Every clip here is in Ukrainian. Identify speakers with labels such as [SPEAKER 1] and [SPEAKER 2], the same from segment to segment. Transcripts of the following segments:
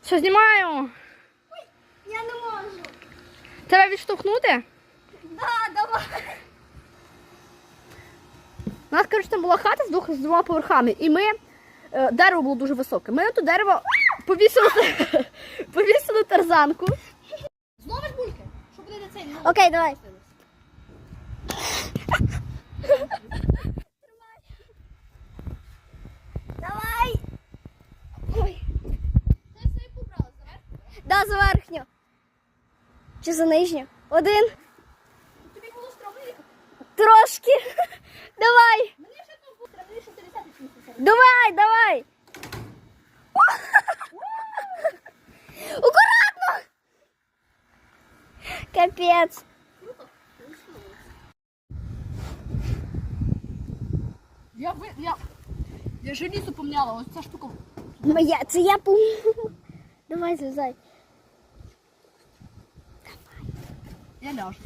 [SPEAKER 1] Що, знімаю?
[SPEAKER 2] Ой, я не можу.
[SPEAKER 1] Тебе відштовхнути?
[SPEAKER 2] Да, давай.
[SPEAKER 1] У нас, коротше, там була хата з двома поверхами, і дерево було дуже високе. Ми на то дерево повісили тарзанку.
[SPEAKER 2] Зловиш бульки? Що буде на цей?
[SPEAKER 3] Окей, давай. Давай. Ой.
[SPEAKER 2] Ти свою побрала, заверху?
[SPEAKER 3] Да, за верхню. Чи за нижню? Один.
[SPEAKER 2] Тобі було стромно їхати?
[SPEAKER 3] Трошки. Давай.
[SPEAKER 2] Мені ще там було стромно, що ти літати чимось.
[SPEAKER 3] Давай, давай. Аккуратно. Капець.
[SPEAKER 2] Круто.
[SPEAKER 1] Я желізо помняла, ось ця штука.
[SPEAKER 3] Це я помню. Давай, злізай.
[SPEAKER 1] Я ляжу.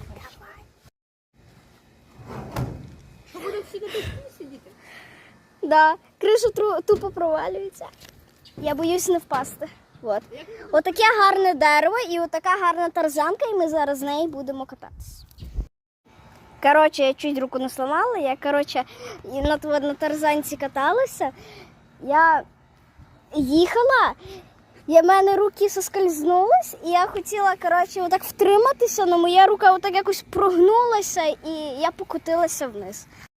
[SPEAKER 2] Що буде всі на тій сидіти?
[SPEAKER 3] Да, криша тупо провалюється. Я боюсь не впасти. От. Отаке гарне дерево і отака гарна тарзанка, і ми зараз з нею будемо кататися. Коротше, я чуть руку не сломала, я, на тарзанці каталася, я їхала, в мене руки соскользнулись, і я хотіла, отак втриматися, але моя рука отак якось прогнулася, і я покотилася вниз.